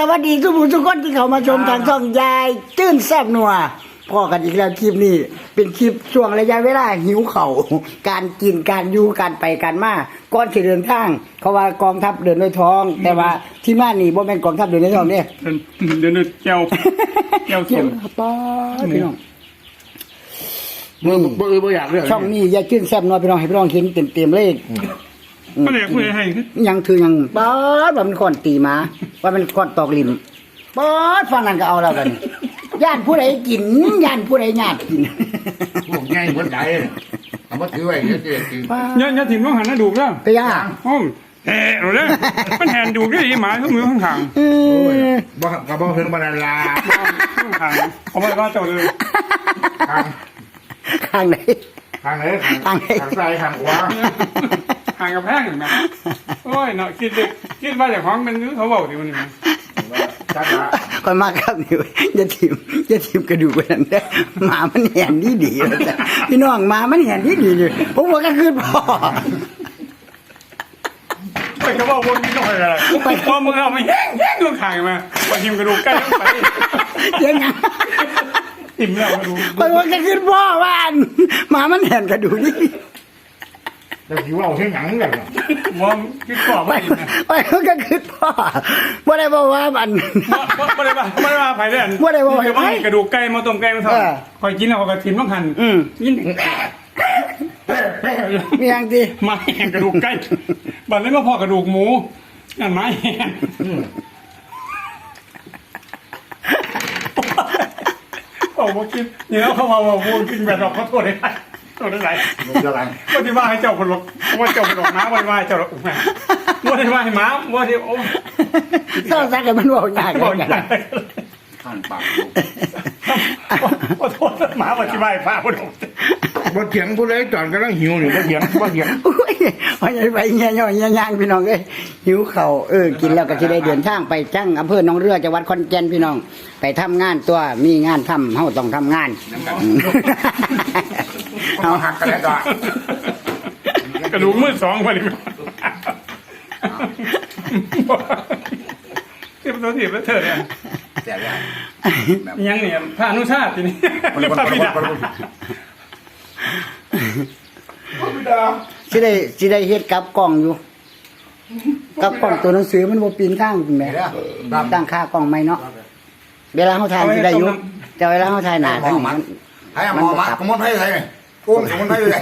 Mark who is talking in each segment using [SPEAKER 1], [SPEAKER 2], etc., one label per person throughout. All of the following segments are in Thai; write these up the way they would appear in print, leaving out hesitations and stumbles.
[SPEAKER 1] วัสดีทุกผู้ทุกคนที่เข้ามาชมทางช่องยายจื้นแซ่บนัวพอกันอีกแล้วคลิปนี้เป็นคลิปช่วงระยะเวลาหิวเข่าการกินการอยู่การไปการมาก่อนสิเดินทางเขาว่ากองทัพเดินด้วยท้องแต่ว่าที่มานี่บ่แม่นกองทัพเดินด้วยท้องเด้
[SPEAKER 2] เดินด้วยแก้วส้ม
[SPEAKER 1] ป้าพี่น้อง
[SPEAKER 3] บ่อยากเรื่อง
[SPEAKER 1] ช่องนี้ยายจื้นแซ่บนัวพี่น้องให้พี่น้องเห็นเต็มๆเลย
[SPEAKER 2] ก็เลยคุยให้
[SPEAKER 1] ยังถือยังป๊อดว่ามันก่อนตีมาว่ามันก่อนตอกลิ้นป๊อดฟังนั่นก็เอาแล้วกันย่านผู้ใดกินย่านผู้ใดญาติกิน
[SPEAKER 3] พวกง่ายเหมือนไหนเอามาถือไว้เดี๋ยวจะกิน
[SPEAKER 2] อย่าถิ่มต้องหันหน้าดูแล้ว
[SPEAKER 1] ไปย่า
[SPEAKER 2] อ้อมแห่เลยมันแหนดูได้หมาทุกมือข้าง
[SPEAKER 3] ๆบ่กับบ่เพิ่งบรรลา
[SPEAKER 2] ข้างเอาไว้ว่าเจ้าเลย
[SPEAKER 1] ข้างไหน
[SPEAKER 3] ข้างซ้ายข้างขวา
[SPEAKER 2] ห่างกับแพงเห็นไหมโอ้ยเนาะคิดว่าจากของมันเขาบอกดิมันนี่
[SPEAKER 1] คนมากครับนี่อย่าทิมกระดูกไปนั่นเด้อหมามันเห็นดีแล้วจ้ะพี่น้องหมามันเห็นดีอยู่ผมว่าก็คือพ่อ
[SPEAKER 2] ไปก็บอกวนนิดหน่อยอะไรไปพอมึงเอามาแย่งลูกข่างมาไปทิมกระดูกใกล้ไป
[SPEAKER 1] ยังไง
[SPEAKER 2] ทิมแล้วกระดูก
[SPEAKER 1] ไปว่าก็คือพ่อว่าหมามันเห็นกระดูกนี่
[SPEAKER 3] แต่ที่ว่าเอาเส้นหนังเลย
[SPEAKER 2] ว่าคิดพ่อไม่
[SPEAKER 1] ไปก็คือพ่อบ่ได้บอกว่ามัน
[SPEAKER 2] ไม่ได้ว่าไผ่เด่น
[SPEAKER 1] บ่ได้บอก
[SPEAKER 2] ไผ่กระดูกไก่มาต้มไก่มาทอดคอยกินแล้วก็ทิมต้องหั่นยิน
[SPEAKER 1] มีอย่างที่
[SPEAKER 2] มาแห้งกระดูกไก่บัดนี้มาพอกระดูกหมูนั่นไม้แห้งโอ้โหกินเนี่ยเขามาว่าพูดกินแบบเราขอโทษได้ตัวได้ไรว่าที่ว่าให้เจ้าคนหลอกว่าเจ้าคนหลอกม้าว่าที่ว่าให้เจ้าหลอกแม่ว่าที่ว่าให้ม้าว่าที่โอ้
[SPEAKER 1] เศร้าซักกันมันบอกยาก
[SPEAKER 3] ข้างปาก
[SPEAKER 2] ว่าโทษหมาว่าที่ว่าให้พาคนหลอก
[SPEAKER 3] บ่เถียงผู้ใดจอนกำลังหิวนี่บ่เถียง
[SPEAKER 1] ไปเงี้ยย่างพี่น้องเลยหิวเข่ากินแล้วก็จะได้เดินทางไปจังอำเภอหนองเรือจังหวัดขอนแก่นพี่น้องไปทำงานตัวมีงานทำเฮาต้องทำงาน
[SPEAKER 3] เอาหักกันแล้วก็
[SPEAKER 2] กระดูกมือสองพอดีที่ประตูถีบแล้วเธอเนี่ยยังเนี่ยพระอนุชาติทีนี้พระบิดา
[SPEAKER 1] สิได้เฮ็ดกับกล้องอยู่กับกล้องตัวหนังสือมันบ่ปีนข้างแหมตั้งค่ากล้องใหม่เนาะเวลาเฮาถ่ายสิได้อยู่แต่เวลาเฮาถ่ายหน้าทางนี้
[SPEAKER 3] ให้หมอมาขมนให้ไทยนี่กุ้งขมนให้เลย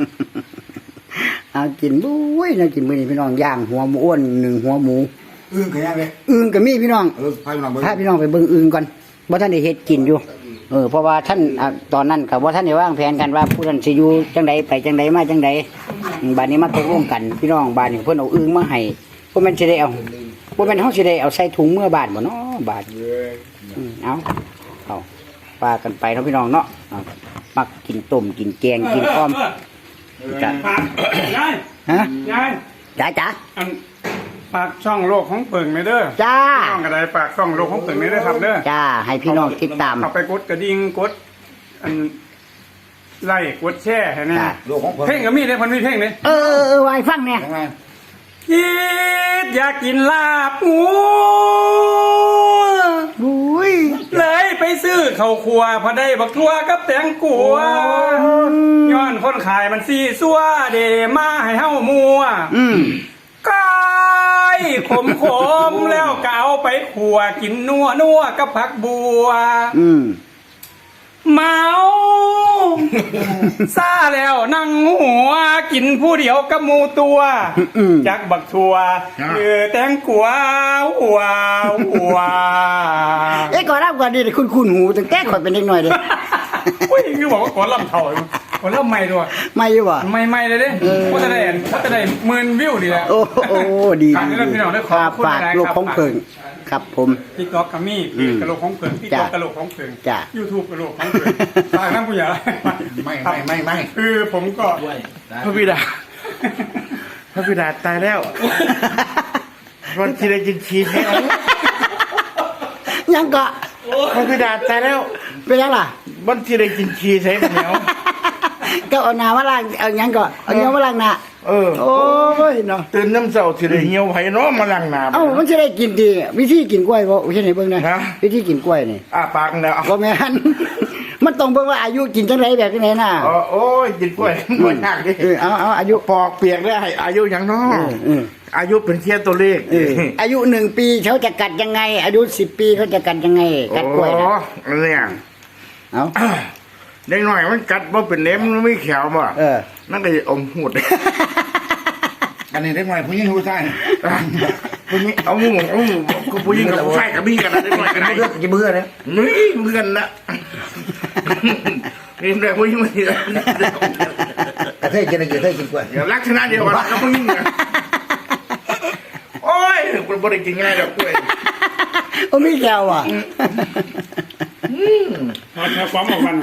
[SPEAKER 1] เอากินบุ้ยน่ากินมื้อนี้พี่น้องย่างหัวหมูอ้วน1หัวหมู
[SPEAKER 3] ก็ย่างเลย
[SPEAKER 1] ก็มีพี่น้องพาพี่น้องไปเบิ่งอึ่งก่อนบ่ทันได้เฮ็ดกินอยู่เพราะว่าท่านตอนนั้นก็บ่ทันได้วางแผนกันว่าผู้นั้นสิอยู่จังใดไปจังใดมาจังใดบัดนี้มาตกลงกันพี่น้องบ้านนี่เพิ่นเอาอึ่งมาให้บ่แม่นสิได้เอาบ่แม่นเฮาสิได้เอาใส่ถุงเมื่อบาดบ่เนาะบาดเอาปากันไปเนาะพี่น้องเนาะมักกินต้มกินแกงกินอ้อม
[SPEAKER 2] จ้ะยาย
[SPEAKER 1] ฮะ
[SPEAKER 2] ยาย
[SPEAKER 1] จ๋า
[SPEAKER 2] ฝากช่องโลกของเปิ่งไม่เด้อ
[SPEAKER 1] จ้า
[SPEAKER 2] ช่องกระไดฝากช่องโลกของเปิ่งไม่เด้อครับเด้อ
[SPEAKER 1] จ้าให้พี่น้องติดตาม
[SPEAKER 2] เอาไปกดกระดิ่งกดไล่กดแช่ให้แน่เพลงก็มีเลยคนมีเพลงเลย
[SPEAKER 1] ไว้ฟังเนี่ย
[SPEAKER 2] คิดอยากกินลาบหมูเลยไปซื้อข้าวคั่วพอได้บักทั่วกับแตงกัวย้อนคนขายมันซีซัวเดมาให้เฮ้ามัวก้อยขมแล้วก็เอาไปขั่วกินนัวกับผักบัวเมาซาแล้วนั่งหัวกินผู้เดียวกับหมูตัวจักบักทัวแตงกัวหัว
[SPEAKER 1] ก่อนรับก่อนดีคุณหูตั้งแต่ข่อยเป็นเด็กหน่อยเลย
[SPEAKER 2] คือบอกว่าก่อนลำเท่าก่อนลำใหม่ด้วย
[SPEAKER 1] ไม่อยู่ว่ะ
[SPEAKER 2] ไม่เลยเด้ก็จะได้10,000 วิวดีแล้ว
[SPEAKER 1] โอ้ดี
[SPEAKER 2] พี่น้องได้ขอบคุณ
[SPEAKER 1] ฝากโลกของเพิงครับผม
[SPEAKER 2] ติ๊กต็อกกัมมี่กระโหลกของเพิงติ๊กต็อกกระโหลกของเพิงยูทูบกระโหลกของเพิงฝากน้ำผู้ใหญ่
[SPEAKER 3] ไม่
[SPEAKER 2] คือผมก็
[SPEAKER 3] พระบิดาตายแล้ววันที่ได้กินชีสให้
[SPEAKER 1] ยังก็
[SPEAKER 3] พระบิดาตายแล้ว
[SPEAKER 1] เป็นยังล่ะ
[SPEAKER 3] วันที่ได้กินชีสให้เหนียว
[SPEAKER 1] ก็เอาน้ำมาล้างเอายังก็เอาเนื้อมาล้างหน้าโอ้ยเนาะ
[SPEAKER 3] ตื่นน้ำเช้าสิได้เหี่ยวไผเนาะมาล้างหน้า
[SPEAKER 1] เอ้ามันจะได้กินดีวิธีกินกล้วยบ่เฮ็ดให้เบิ่งหน่อย
[SPEAKER 3] ฮะ
[SPEAKER 1] วิธีกินกล้วยนี่
[SPEAKER 3] ปากแล้ว
[SPEAKER 1] บ่แม่น มันต้องเบิ่งว่าอายุกินจังไดแบบจังไดน่ะ
[SPEAKER 3] โอ้ยกินกล้วยบ่ยากดิ
[SPEAKER 1] เอาอายุ
[SPEAKER 3] ปอกเปียกได้ให้อายุหยังเนาะอายุเป็นแค่ตัวเลข
[SPEAKER 1] อายุ1ปีเขาจะกัดยังไง อายุ10ปีเขาจะกัดยังไงกัดกล้วยน่ะ
[SPEAKER 3] อ๋อเนี่ย
[SPEAKER 1] เอ้า
[SPEAKER 3] เด็กน้อยมันกัดบ่เป็นเล็บมันไม่แข็งบ่ นั่นก็จะอมหูด
[SPEAKER 4] อันนี้เด็กน้อยผู้หญิงผู้ชาย
[SPEAKER 3] ผู้หญิงเอาหมูก็ผู้หญิงกับผู้ชายกับพี่กันนะเด็กน้อยกันได้
[SPEAKER 1] จะเบื่อเลย
[SPEAKER 3] นี่เพื่อนนะนี่แต่ผู้หญิงมันเยอะ
[SPEAKER 4] กระเทยกินอะไรกระเทยกินกล้วย
[SPEAKER 3] เดี๋ยวลักษณะเดียวกันกับผู้หญิงนะโอ้ยคุณบ่ได้กินง่ายดอกกล้วย
[SPEAKER 1] โอ้มีแก้วอ่ะ
[SPEAKER 2] เอาแค่ความออกมัน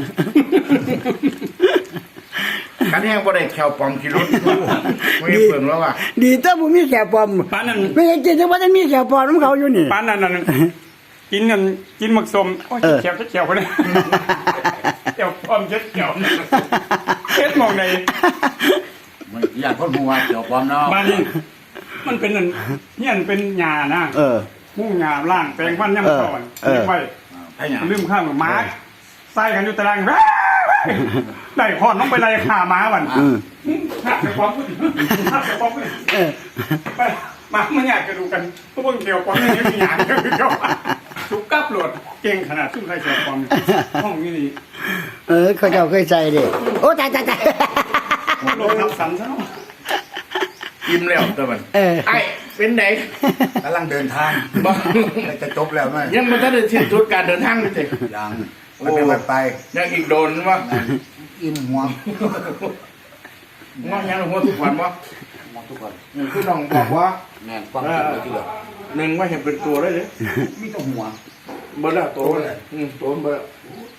[SPEAKER 3] กันแห้งบ่ได้แควปอมกินรถไม่เปิ่งแล้วว่ะ
[SPEAKER 1] ดีแต่บ่มีแก้วปลอม
[SPEAKER 2] ปานนั้น
[SPEAKER 1] ไม่เห็นกินจังว่าจะมีแก้วปลอมของเขาอยู่นี่
[SPEAKER 2] ปานนั้นกินนั่นกินหมักสมโอ้ยเขียวเขียวคนนี้เขียวพร้อมเขียวเฮ็ดมองใน
[SPEAKER 4] มันอยากคนหัวเกี่ยวความเนาะ
[SPEAKER 2] บ้านนี้มันเป็นนั่นเนี่ยมันเป็นหญ้านะมุ่งหญ้าล่างแปลงฟันย่ำก่อนเลี้ยงไว้
[SPEAKER 4] ไอ้หยัง
[SPEAKER 2] ลืมข้างหมาใส่กันอยู่ตารางได้พอดน้องไปไล่ขาหมาบันหักไปความพูดหักไปความพูดไปมาไม่อยากจะดูกันพวกเกี่ยวความนี่มีหยาดเกี่ยวทุกกับโหลดเก่งขนาดซึ่งใครเกี่ยวความห้องนี้ดี
[SPEAKER 1] เขาเจ้าเคยใจดิโอ้ตาย
[SPEAKER 2] โลกนับสันซะเนาะ
[SPEAKER 3] ยิ้มแล้วตัวมันไอ้เป็นไหน
[SPEAKER 4] กำลังเดินทาง
[SPEAKER 3] บ่
[SPEAKER 4] จะจบแล้วไหม
[SPEAKER 3] ยังมันจะได้สิ้นสุดการเดินทางเลยสิ
[SPEAKER 4] ยังมันเป็นวันไป
[SPEAKER 3] ยังอีกโดนวะ
[SPEAKER 4] อิ่มหัว
[SPEAKER 3] งอยังหัวทุกวันวะ
[SPEAKER 4] มองทุกคน
[SPEAKER 3] คือน้องบอกว่า
[SPEAKER 4] แม่นฟังถึงเลยทีเดียว
[SPEAKER 3] หนึ่งว่าเห็นเป็นตัวได้เลย
[SPEAKER 4] มีต้องหัว
[SPEAKER 3] เบิดแล้วตัวเลยตัวเบิด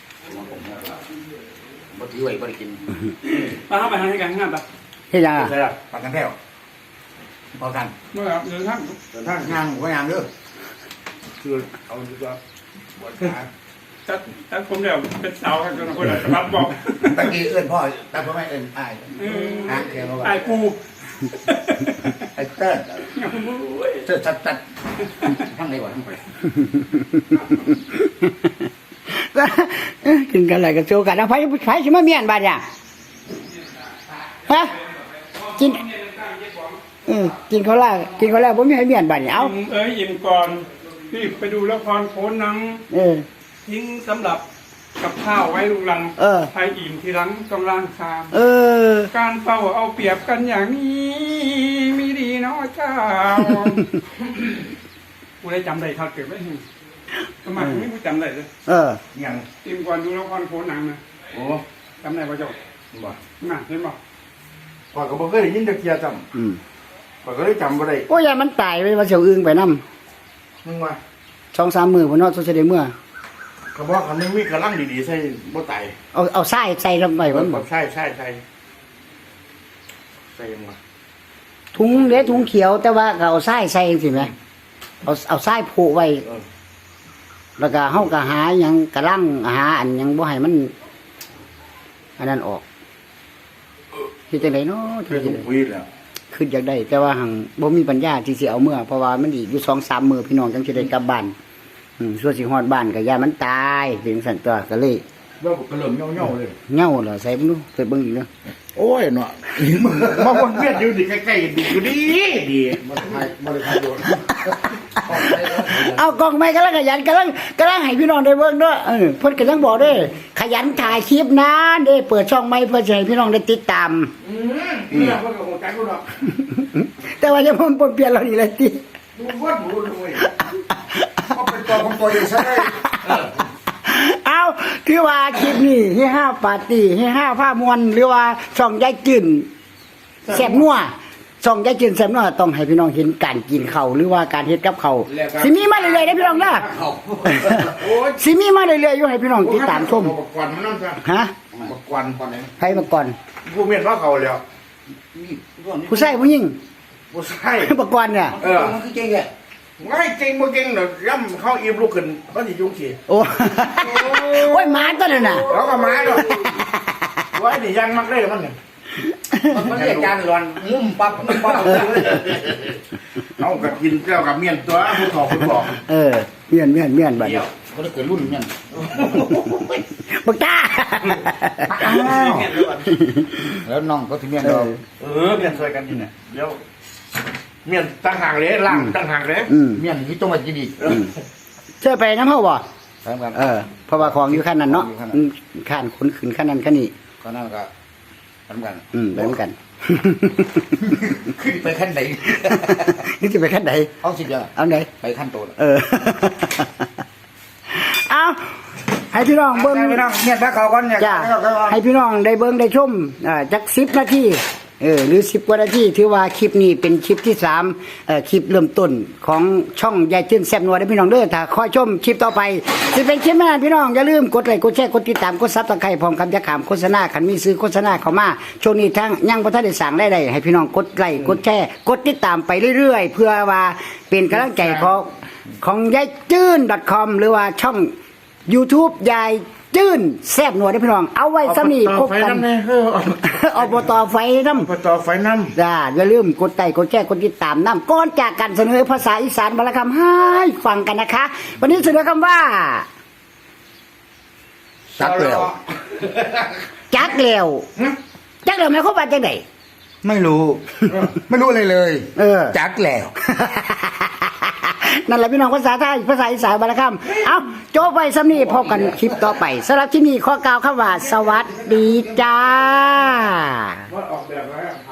[SPEAKER 4] บ่ถือไว้บ่ได้กิน
[SPEAKER 2] มาเข้าไปทางให้กันง่ายปะ
[SPEAKER 1] เฮ็ดยังอ่ะ
[SPEAKER 3] ใช่ละ
[SPEAKER 4] ปากกันแท้วพอกัน
[SPEAKER 2] เมื่อเดินทาง
[SPEAKER 4] เดินทางย่างก็ย่างเด้อ
[SPEAKER 3] คือเอาดีกว่าบวชขา
[SPEAKER 2] ถ้าผมเดี๋ยวเป็นสาวกันจนคนละรับบอก
[SPEAKER 4] ตะกี้เอื้อนพ่อแต่พ่อแม่เอื้อนอ้ายอ้างแค่ว่า
[SPEAKER 2] ไอ้กู
[SPEAKER 4] ไอ้เติ้ลเติ้ลตัดทั้งไหนวะทั้งไป
[SPEAKER 1] กินกันอะไรกันโซกันนะไผสิมาเมียนบาดเนี่ยฮะกินกินเขาแล้วบ่มีให้เมียนบาดเนี่ยเอา
[SPEAKER 2] อิ่มก่อนรีบไปดูละครโขนหนังทิ้งสำหรับกับข้าวไว้ลุงลังใครอิ่มทีหลังต้องล้างชามการเฝ้าเอาเปรียบกันอย่างนี้มีดีเนาะเจ้ากูได้จำได้ทัดเกิดไว้ให้ทำไมกูไม่จำได้เลย
[SPEAKER 3] ยัง
[SPEAKER 2] อิ่มก่อนดูละครโขนหนังนะ
[SPEAKER 3] โอ้
[SPEAKER 2] จำได้ป่ะเจ้า
[SPEAKER 3] บ่
[SPEAKER 2] น่ะเห็นป่ะ
[SPEAKER 3] ก่อนก็บ่เคยได้ยินตะเกียจำก่อนก็ได้จำบ่ได้
[SPEAKER 1] โอ้ยมันตายไปว่าเสียวอึ้งไปนำ
[SPEAKER 3] มึงว่า
[SPEAKER 1] 2-3 มื้อพุ่นเนาะสิได้เมื่อ
[SPEAKER 3] ก็บอกคันนึงมีกระลังดีๆใส่บ่ตาย
[SPEAKER 1] เอาทรายใส่ลงไปมันบ่
[SPEAKER 3] ใช่ใส่ยังวะ
[SPEAKER 1] ถุงเด้ถุงเขียวแต่ว่าก็เอาทรายใส่จังซี่แหมเอาทรายผูกไว้แล้วก็เฮาก็หาหยังกระลังหาอันหยังบ่ให้มันอันนั้นออกเฮ็ดจังได๋เนาะ
[SPEAKER 3] เรื่องคุยแล้ว
[SPEAKER 1] คืออยากได้แต่ว่าหังบ่มีปัญญาที่สิเอาเมื่อเพราะว่ามันอีกอยู่ 2-3 มื้อพี่น้องจังสิได้กลับบ้านส่วนสิฮอดบ้านก็ย่ามันตายถึงสั่นตัวก็เลย
[SPEAKER 3] ว่าก็เริ่มเหี่ยวๆเลย
[SPEAKER 1] เหงาเหรอใส่บ่รู้ไปเบิ่งอีกเนาะ
[SPEAKER 3] โอ้ยเนาะมาวนเวียนอยู่ดิใกล้ๆดิอยู่ดี
[SPEAKER 4] บ่ได้ทายโดน
[SPEAKER 1] เอากล้องไม้กำลังขยันกำลังให้พี่น้องได้เบิ่งเด้อเพิ่นก็ยังบอกเด้อขยันถ่ายคลิปนะเด้เปิดช่องใหม่เพื่อจะให้พี่น้องได้ติดตาม
[SPEAKER 3] เนี่ยเพิ่นก็คงจักรู้ดอก
[SPEAKER 1] แต่ว่าจะมันปนเปลี่ยนเรานี่แหละติ
[SPEAKER 3] ดูวัดหมูด้วย
[SPEAKER 4] ก็เป็นตัวของตัวเองซะได้
[SPEAKER 1] เอาคือว่าคลิปนี้ให้ห้าปาร์ตี้ให้ห้าผ้ามวลหรือว่าช่องยายจื่นแซ่บนัวช่องยายจื่นแซ่บนัวต้องให้พี่น้องเห็นการกินข้าวหรือว่าการเฮ็ดกับข้าวสิมีมาเรื่อยๆเด้อพี่น้องเด้อสิมีมาเรื่อยๆอยู่ให้พี่น้องติดตามชม
[SPEAKER 3] บักกวนมันนั่นซะ
[SPEAKER 1] ฮะ
[SPEAKER 3] บักกวน
[SPEAKER 4] ก่อนไหน
[SPEAKER 1] ใครมาก่อน
[SPEAKER 3] ผู้เมียนว่าเขาแล้ว
[SPEAKER 4] นี่ตัวนี้
[SPEAKER 1] ผู้ชายผู้หญิง
[SPEAKER 3] ผู้ชาย
[SPEAKER 1] มาก่อนเนี่ย
[SPEAKER 4] มันคือเก่งแหละ
[SPEAKER 3] ง่ายเก่งบ่เก่งเด้อย่ำเข้าอิ่มลุกขึ้นเขาสิยุ่งสิ
[SPEAKER 1] โอ้ โอ้ยหมาตัวนั้นน่ะ
[SPEAKER 3] แล้วก็มาดอกไว้นี่ยังมักได้มันนี่
[SPEAKER 4] มันเรียกจานร้อนงุ้มปั๊บงุ้มปั๊บ
[SPEAKER 3] เอากับกินแก้วกับเมียนตัวผู้บอก
[SPEAKER 1] เมียนบัด
[SPEAKER 4] เดี๋ยวเขาได้เกิดรุ่นเนี่ย
[SPEAKER 1] บักจ้า
[SPEAKER 4] แล้วน้องก็ถึงเมียนเรา
[SPEAKER 3] เมียนช่วยกันกินเนี่ยเดี๋ยวเมียนตั้งห่างเลยล่างตั้งห่างเลย
[SPEAKER 4] เมียนที่ต้องมากินอีก
[SPEAKER 1] เชื่อไปน้ำเฮาบ่
[SPEAKER 4] ใช่ครับ
[SPEAKER 1] เพราะว่าของอยู่ขั้นนั้นเนาะขั้นขนขึ้นขั้นนั้นขั้นนี้
[SPEAKER 4] ก็นั่นก็ทำกัน
[SPEAKER 1] ไปเหมือนกัน
[SPEAKER 4] ขึ้นไปขั้นไหน
[SPEAKER 1] นี่จะไปขั้นไหน
[SPEAKER 4] เอาสิเดียว
[SPEAKER 1] เอาไหน
[SPEAKER 4] ไปขั้นโตแล้ว
[SPEAKER 1] เอาให้พี่น้องเบิ้ง
[SPEAKER 4] พี่น้องเนี่ยถ้าเขาก่อนเนี่ย
[SPEAKER 1] จ้าให้พี่น้องได้เบิ้งได้ชมจัก10 นาทีหรือ10 กว่านาทีถือว่าคลิปนี้เป็นคลิปที่3คลิปเริ่มต้นของช่องยายจื้นแซ่บนัวได้พี่น้องเด้อถ้าคอยชมคลิปต่อไปสิเป็นคลิปนั้นพี่น้องอย่าลืมกดไลค์กดแชร์กดติดตามกดซับสไครต์พร้อมกับจะขามโฆษณาคันมีซื้อโฆษณาเข้ามาช่วงนี้ทั้งยังบ่ทันได้สั่งได้ให้พี่น้องกดไลค์กดแชร์กดติดตามไปเรื่อยๆเพื่อว่าเป็นกำลังใจของยายจื้น .com หรือว่าช่อง YouTube ยายจื้นแซ่บนัวได้พี่น้องเอาไว้ซะนี่พบกันอบตไฟน้ำ
[SPEAKER 3] อบตไฟน้ำ
[SPEAKER 1] อย่าลืมกดไลค์กดแชร์กดติดตามน้ำก่อนจากกันเสนอภาษาอีสานบรรคำให้ฟังกันนะคะ วันนี้เสนอคำว่า
[SPEAKER 4] ซักแล้ว
[SPEAKER 1] จักเหลวจักเหลวหมายความว่าจังได
[SPEAKER 4] ไม่รู้อะไรเลย จักแล้ว
[SPEAKER 1] นั่นแหละพี่น้องภาษาไทยภาษาอีสานบรรคำเอาโจ้ไปสำนีพบกันคลิปต่อไปสำหรับที่นี่ขอกล่าวคำว่าสวัสดีจ้า
[SPEAKER 3] ว่าออกแบบแล้ว